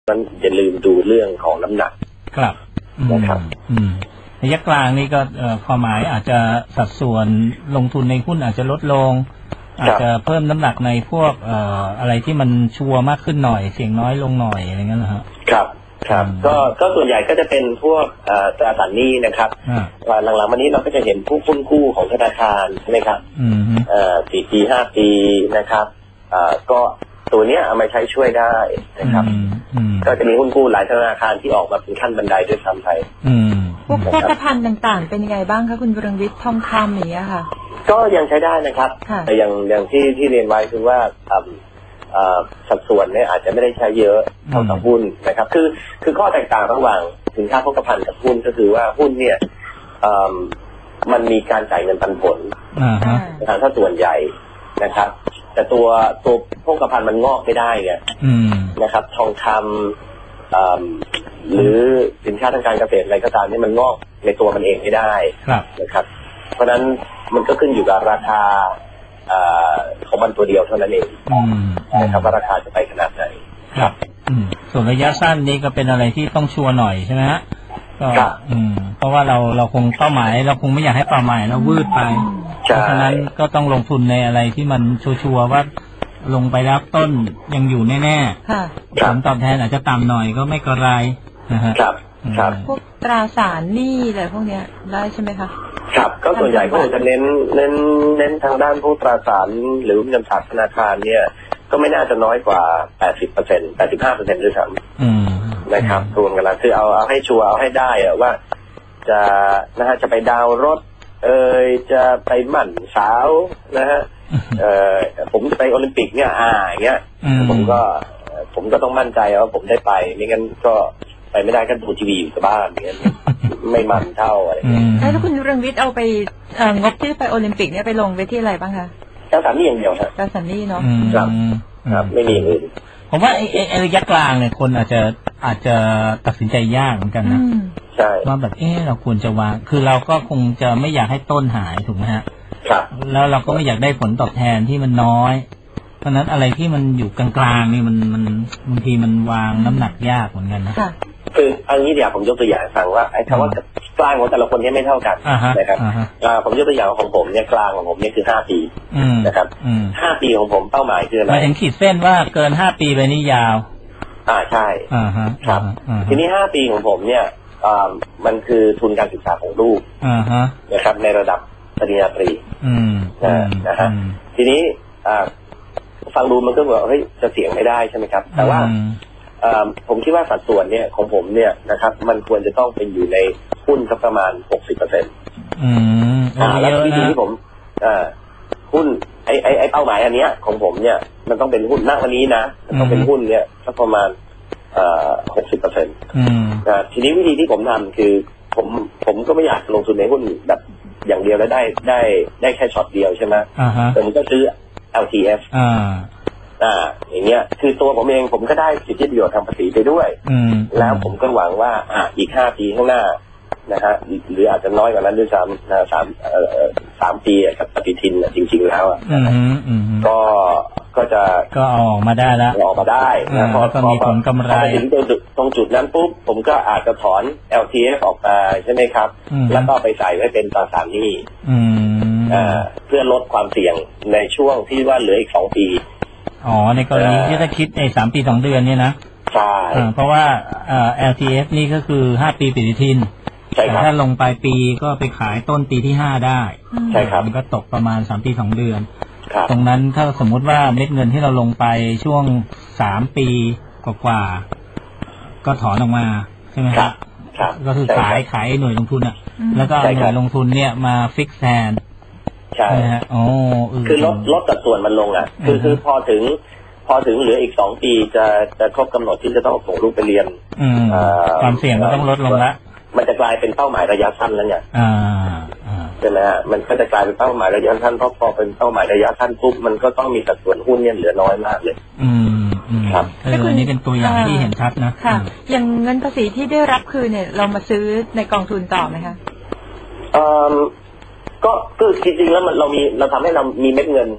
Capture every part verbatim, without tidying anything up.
นั้นอย่าลืมดูเรื่องของน้ำหนักครับนะครับระยะกลางนี่ก็ความหมายอาจจะสัดส่วนลงทุนในหุ้นอาจจะลดลงอาจจะเพิ่มน้ำหนักในพวกอะไรที่มันชัวร์มากขึ้นหน่อยเสี่ยงน้อยลงหน่อยอะไรเงี้ยนะครับครับครับก็ก็ส่วนใหญ่ก็จะเป็นพวกตราสารหนี้นะครับหลังๆวันนี้เราก็จะเห็นผู้หุ้นกู้ของธนาคารใช่ไหมครับสี่ปีห้าปีนะครับก็ตัวเนี้ยเอามาใช้ช่วยได้นะครับก็จะมีหุ้นกู้หลายธนาคารที่ออกมาเป็นขั้นบันไดด้วยซ้ำไปพวกโภคภัณฑ์ต่างๆเป็นยังไงบ้างคะคุณวรงวิทย์ทองคำอย่างเงี้ยค่ะก็ยังใช้ได้นะครับแต่อย่างอย่างที่ที่เรียนไว้คือว่าสัดส่วนเนี่ยอาจจะไม่ได้ใช้เยอะเท่ากับหุ้นนะครับคือคือข้อแตกต่างระหว่างสินค้าโภคภัณฑ์กับหุ้นก็คือว่าหุ้นเนี่ยมันมีการจ่ายเงินปันผลนะครับถ้าส่วนใหญ่นะครับแต่ตัวตัวโภคภัณฑ์มันงอกไม่ได้ไงนะครับทองคำหรือสินค้าทางการเกษตรอะไรก็ตามนี่มันงอกในตัวมันเองไม่ได้นะครับเพราะฉะนั้นมันก็ขึ้นอยู่กับราคาของมันตัวเดียวเท่านั้นเองนะครับว่าราคาจะไปขนาดไหนครับส่วนระยะสั้นนี่ก็เป็นอะไรที่ต้องชัวร์หน่อยใช่ไหมฮะก็เพราะว่าเราเราคงเป้าหมายเราคงไม่อยากให้เป้าหมายเราวืดไปเพราะฉะนั้นก็ต้องลงทุนในอะไรที่มันชัวร์ว่าลงไปแล้วต้นยังอยู่แน่ๆผลตอบแทนอาจจะต่ำหน่อยก็ไม่กระไรนะฮะครับครับพวกตราสารหนี้อะไรพวกเนี้ยได้ใช่ไหมคะครับก็ส่วนใหญ่ก็จะเน้นเน้นเน้นทางด้านพวกตราสารหรือเงินฝากธนาคารเนี่ยก็ไม่น่าจะน้อยกว่า แปดสิบเปอร์เซ็นต์ แปดสิบห้าเปอร์เซ็นต์ ด้วยซ้ำนะครับรวมกันแล้วคือเอาเอาให้ชัวร์เอาให้ได้อะว่าจะนะฮะจะไปดาวรถเอ่ยจะไปหมั่นสาวนะฮะเอ่อผมจะไปโอลิมปิกเนี่ยอ่าอย่างเงี้ยผมก็ผมก็ต้องมั่นใจว่าผมได้ไปไม่งั้นก็ไปไม่ได้ก็ดูทีวีอยู่กับบ้านอย่างเงี้ยไม่มันเท่าอะไรแล้วคุณเรืองวิทย์เอาไปงบที่ไปโอลิมปิกเนี่ยไปลงไปที่อะไรบ้างคะตราสารหนี้อย่างเดียวครับตราสารหนี้เนาะครับครับไม่มีอื่นผมว่าไอ้ระยะกลางเนี่ยคนอาจจะอาจจะตัดสินใจยากเหมือนกันนะใช่ว่าแบบเออเราควรจะวางคือเราก็คงจะไม่อยากให้ต้นหายถูกไหมฮะครับแล้วเราก็ไม่อยากได้ผลตอบแทนที่มันน้อยเพราะนั้นอะไรที่มันอยู่กลางๆนี่มันมันบางทีมันวางน้ำหนักยากเหมือนกันนะคืออันนี้เดี๋ยวผมยกตัวอย่างฟังว่าไอ้คำว่ากลางของแต่ละคนเนี่ยไม่เท่ากันนะครับผมยกตัวอย่างของผมเนี่ยกลางของผมเนี่ยคือห้าปีนะครับห้าปีของผมเป้าหมายคืออะไรหมายถึงขีดเส้นว่าเกินห้าปีไปนี่ยาวอ่าใช่ครับทีนี้ห้าปีของผมเนี่ยมันคือทุนการศึกษาของลูกนะครับในระดับปริญญาตรีนะฮะทีนี้ฟังดูมันก็แบบเฮ้ยจะเสี่ยงไม่ได้ใช่ไหมครับแต่ว่าผมคิดว่าสัดส่วนเนี่ยของผมเนี่ยนะครับมันควรจะต้องเป็นอยู่ในหุ้นสักประมาณ หกสิบเปอร์เซ็นต์อืมแล้ววิธีที่ผมหุ้นไอ้ไอ้ไอ้เป้าหมายอันเนี้ยของผมเนี่ยมันต้องเป็นหุ้นณวันนี้นะมันต้องเป็นหุ้นเนี่ยสักประมาณหกสิบเปอร์เซ็นต์ทีนี้วิธีที่ผมทำคือผมผมก็ไม่อยากลงทุนในหุ้นแบบอย่างเดียวแล้วได้ได้ได้แค่ช็อตเดียวใช่ไหมแต่ผมก็ซื้อ แอล ที เอฟ อ่าอ่าอย่างเงี้ยคือตัวผมเองผมก็ได้สิทธิประโยชน์ทางภาษีไปด้วยแล้วผมก็หวังว่าอ่าอีกห้าปีข้างหน้านะฮะหรืออาจจะน้อยกว่านั้นด้วยซ้ำนะสามเอ่อสามปีกับปฏิทินจริงๆแล้วอ่ะก็ก็จะก็ออกมาได้แล้วออกมาได้นะพอก็มีผลกำไรถึงตรงจุดตรงจุดนั้นปุ๊บผมก็อาจจะถอน แอล ที เอฟ ออกมาใช่ไหมครับแล้วก็ไปใส่ไว้เป็นตราสารหนี้เพื่อลดความเสี่ยงในช่วงที่ว่าเหลืออีกสองปีอ๋อในกรณีที่ถ้าคิดในสามปีสองเดือนเนี่ยนะใช่เพราะว่า แอล ที เอฟ นี่ก็คือห้าปีปฏิทินใช่ครับถ้าลงปลายปีก็ไปขายต้นปีที่ห้าได้ใช่ครับมันก็ตกประมาณสามปีสองเดือนตรงนั้นถ้าสมมุติว่าเม็ดเงินที่เราลงไปช่วงสามปีกว่าๆก็ถอนออกมาใช่ไหมครับก็คือขายขายหน่วยลงทุนอ่ะแล้วก็หน่วยลงทุนเนี่ยมาฟิกแทนใช่ฮะอ๋อคือลดลดสัดส่วนมันลงอ่ะคือคือพอถึงพอถึงเหลืออีกสองปีจะจะครบกำหนดที่จะต้องส่งลูกไปเรียนความเสี่ยงก็ต้องลดลงละมันจะกลายเป็นเป้าหมายระยะสั้นแล้วเนี่ยใช่ไหมฮะมันก็จะกลายเป็นเป้าหมายระยะสั้นเพราะพอเป็นเป้าหมายระยะสั้นปุ๊บมันก็ต้องมีสัดส่วนหุ้นเนี่ยเหลือน้อยมากเลยอืมครับอันนี้เป็นตัวอย่างที่เห็นชัดนะค่ะอย่างเงินภาษีที่ได้รับคืนเนี่ยเรามาซื้อในกองทุนต่อไหมคะเอ่อก็คือจริงๆแล้วมันเรามีเราทำให้เรามีเม็ดเงิน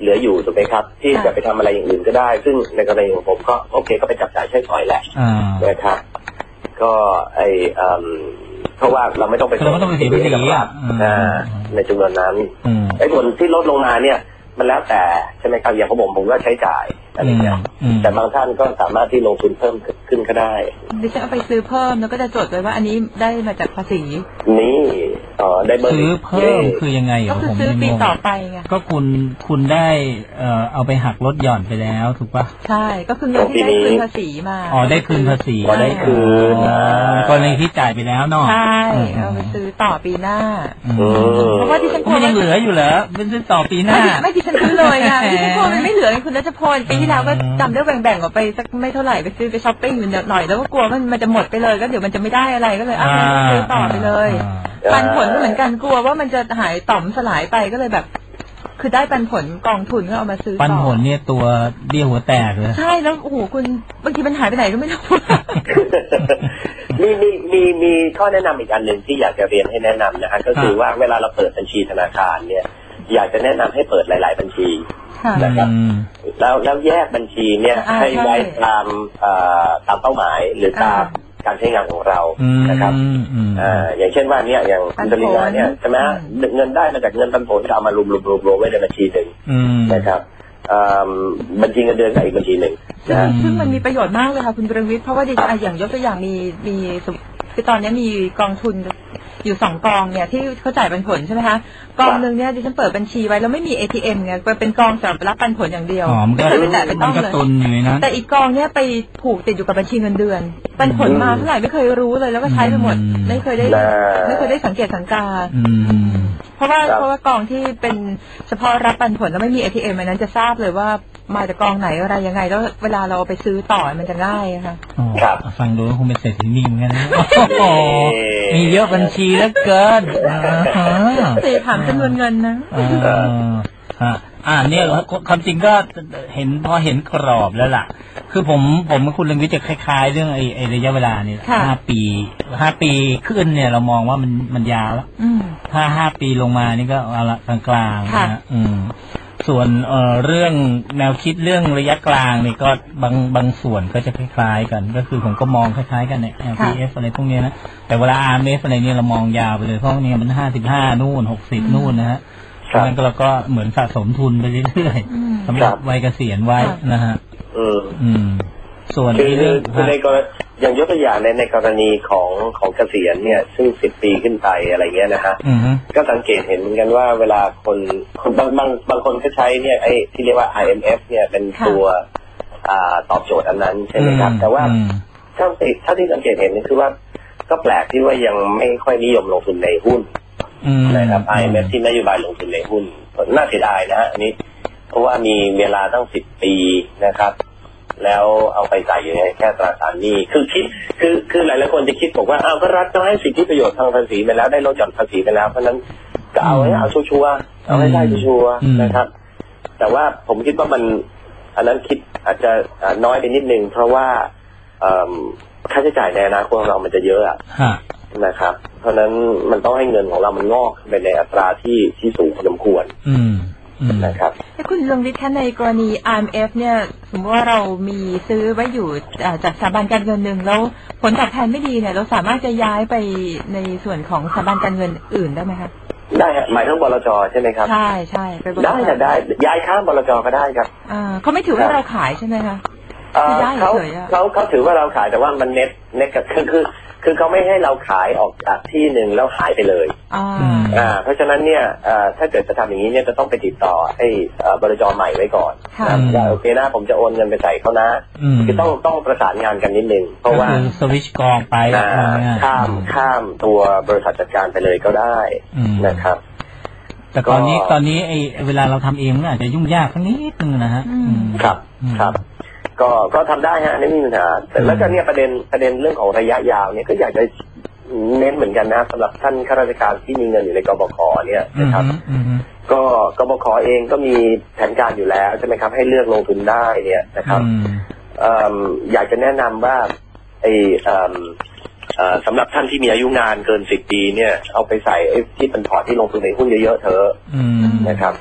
เหลืออยู่ถูกไหมครับที่จะไปทำอะไรอย่างอื่นก็ได้ซึ่งในกรณีของผมก็โอเคก็ไปจับจ่ายใช้สอยแหละนะครับก็ไอเพราะว่าเราไม่ต้องไปเราไม่ต้องไปเสียภาษีในจำนวนนั้นไอ้ส่วนที่ลดลงมาเนี่ยมันแล้วแต่ใช่ไหมครับอย่างของผมผมก็ใช้จ่ายอะไรอย่างเงี้ยแต่บางท่านก็สามารถที่ลงทุนเพิ่มขึ้นก็ได้ดิฉันเอาไปซื้อเพิ่มแล้วก็จะจดไว้ว่าอันนี้ได้มาจากภาษีนี่อ๋อได้ซื้อเพิ่มคือยังไงก็คือซื้อปีต่อไปไงก็คุณคุณได้เอ่อเอาไปหักลดหย่อนไปแล้วถูกปะใช่ก็คือเงินที่ได้คืนภาษีมาอ๋อได้คืนภาษีอ๋อได้คืนกรณีที่จ่ายไปแล้วเนาะใช่เอาไปซื้อต่อปีหน้าเพราะว่าที่ฉันมันยังเหลืออยู่เหรอเป็นซื้อต่อปีหน้าไม่ที่ฉันซื้อเลยค่ะที่ฉันโกมันไม่เหลือคุณรัชพลปีที่แล้วก็จำได้แบ่งๆออกไปสักไม่เท่าไหร่ไปซื้อไปช้อปปิ้งหน่อยแล้วก็กลัวมันมันจะหมดไปเลยก็เดี๋ยวมันจะไม่ได้อะไรก็เลยเอาไปซื้อต่อไปเลยปันผลก็เหมือนกันกลัวว่ามันจะหายต่อมสลายไปก็เลยแบบคือได้ปันผลกองทุนก็เอามาซื้อต่อปันผลเนี่ยตัวเบี้ยหัวแตกเลยใช่แล้วโอ้โหคุณบางทีมันหายไปไหนก็ไม่รู้มีมีมีมีข้อแนะนำอีกอันหนึ่งที่อยากจะเรียนให้แนะนำนะฮะก็คือว่าเวลาเราเปิดบัญชีธนาคารเนี่ยอยากจะแนะนำให้เปิดหลายๆบัญชีนะครับแล้วแล้วแยกบัญชีเนี่ยให้ไว้ตามตามเป้าหมายหรือตามการใช้งานของเรานะครับอย่างเช่นว่าเนี่ยอย่างคุณจริญาเนี่ยใช่ไหมเงินได้มาจากเงินปันผลจะเอามารวมรวมรวมไว้ในบัญชีหนึ่งนะครับบัญชีเงินเดือนกับอีกบัญชีหนึ่งซึ่งมันมีประโยชน์มากเลยค่ะคุณประวิตรเพราะว่าดิฉันอย่างยกตัวอย่างมีมีคือตอนนี้มีกองทุนอยู่สองกองเนี่ยที่เขาจ่ายปันผลใช่ไหมคะกองหนึ่งเนี่ยดิฉันเปิดบัญชีไว้แล้วไม่มี เอ ที เอ็ม ไงเป็นกองสำหรับรับปันผลอย่างเดียวไม่เคยไปแตะไปต้องเลยแต่อีกกองเนี่ยไปผูกติดอยู่กับบัญชีเงินเดือนปันผลมาเท่าไหร่ไม่เคยรู้เลยแล้วก็ใช้ไปหมดไม่เคยได้ไม่เคยได้สังเกตสังการเพราะว่าเพราะว่ากองที่เป็นเฉพาะรับปันผลแล้วไม่มี เอ ที เอ็ม อันนั้นจะทราบเลยว่ามาจากกองไหนอะไรยังไงแล้วเวลาเราไปซื้อต่อมันจะง่ายค่ะครับฟังดูคงเป็นเศรษฐีนิ่งกันนะมีเยอะบัญชีแล้วเกินตีถามจำนวนเงินนะอ่าอ่าเนี่ยความจริงก็เห็นพอเห็นกรอบแล้วล่ะคือผมผมกับคุณเรืองวิทย์จะคล้ายๆเรื่องไอ้ไอ้ระยะเวลาเนี่ยห้าปีห้าปีขึ้นเนี่ยเรามองว่ามันมันยาวแล้วถ้าห้าปีลงมานี่ก็เอาละกลางๆนะอืมส่วนเอ่อเรื่องแนวคิดเรื่องระยะกลางนี่ก็บางบางส่วนก็จะคล้ายๆกันก็คือผมก็มองคล้ายๆกันเนี่ย แอล พี เอฟ อะไรพวกนี้นะแต่เวลา อาร์ เอ็ม เอฟ อะไรเนี่ยเรามองยาวไปเลยเพราะเนี่ยมันห้าสิบห้านู่นหกสิบนู่นนะฮะดังนั้นเราก็เหมือนสะสมทุนไปเรื่อยๆสำหรับวัยเกษียณไว้นะฮะอืมส่วนเรื่องในกรณีอย่างยกตัวอย่างในในกรณีของของเกษียณเนี่ยซึ่งสิบปีขึ้นไปอะไรเงี้ยนะฮะก็สังเกตเห็นเหมือนกันว่าเวลาคนคนบางบางบางคนก็ใช้เนี่ยไอ้ที่เรียกว่า ไอ เอ็ม เอฟ เนี่ยเป็นตัวอ่าตอบโจทย์อันนั้นใช่ไหมครับแต่ว่าถ้าถ้าที่สังเกตเห็นนี่คือว่าก็แปลกที่ว่ายังไม่ค่อยนิยมลงทุนในหุ้นนะครับ ไอ เอ็ม เอฟ ที่นโยบายลงทุนในหุ้นน่าเสียดายนะฮะอันนี้เพราะว่ามีเวลาตั้งสิบปีนะครับแล้วเอาไปใส่อยู่ในแค่ตราสารหนี้คือคิดคือคือหลายหลายคนจะคิดบอกว่าอ้าวก็รัฐก็ให้สิทธิประโยชน์ทางภาษีไปแล้วได้ลดหย่อนภาษีไปแล้วเพราะนั้นก็เอาให้เอาชัวร์ๆเอาให้ได้ชัวร์ๆนะครับแต่ว่าผมคิดว่ามันอันนั้นคิดอาจจะน้อยไปนิดนึงเพราะว่าค่าใช้จ่ายในอนาคตของเรามันจะเยอะนะครับเพราะนั้นมันต้องให้เงินของเรามันงอกไปในอัตราที่ที่สูงพอสมควรนะครับถ้าคุณเรืองวิทย์ในกรณี อาร์ เอ็ม เอฟ เนี่ยสมมติว่าเรามีซื้อไว้อยู่จากสถาบันการเงินหนึ่งแล้วผลตอบแทนไม่ดีเนี่ยเราสามารถจะย้ายไปในส่วนของสถาบันการเงินอื่นได้ไหมคะได้ฮะหมายถึงบลจ.ใช่ไหมครับใช่ใช่ไปได้ค่ะได้ย้ายข้ามบลจ.ก็ได้ครับอ่าเขาไม่ถือว่าเราขายใช่ไหมคะเขาเขาเขาถือว่าเราขายแต่ว่ามันเน็ตเน็ตกับคือคือคือเขาไม่ให้เราขายออกจากที่หนึ่งแล้วหายไปเลยอ่าเพราะฉะนั้นเนี่ยถ้าเกิดจะทำอย่างนี้เนี่ยจะต้องไปติดต่อให้บริจาคใหม่ไว้ก่อนว่าโอเคนะผมจะโอนเงินไปใส่เขานะคือต้องต้องประสานงานกันนิดนึงเพราะว่าสวิชกองไปข้ามข้ามตัวบริษัทจัดการไปเลยก็ได้นะครับแต่ตอนนี้ตอนนี้ไอ้เวลาเราทำเองมันอาจจะยุ่งยากสักนิดนึงนะฮะครับครับก็ก็ทำได้ฮะไม่มีปัญหาแต่แล้วก็เนี่ยประเด็นประเด็นเรื่องของระยะยาวเนี่ยก็อยากจะเน้นเหมือนกันนะสำหรับท่านข้าราชการที่มีเงินอยู่ในกบข.เนี่ยนะครับก็กบข.เองก็มีแผนการอยู่แล้วใช่ไหมครับให้เลือกลงทุนได้เนี่ยนะครับอยากจะแนะนำว่าไอ้สำหรับท่านที่มีอายุงานเกินสิบปีเนี่ยเอาไปใส่ที่เป็นพอร์ตที่ลงทุนในหุ้นเยอะๆเถอะนะครับ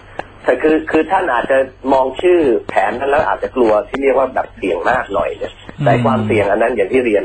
แต่คือคือท่านอาจจะมองชื่อแผนนั้นแล้วอาจจะกลัวที่เรียกว่าแบบเสี่ยงมากหน่อยเนี่ยแต่ความเสี่ยงอันนั้นอย่างที่เรียน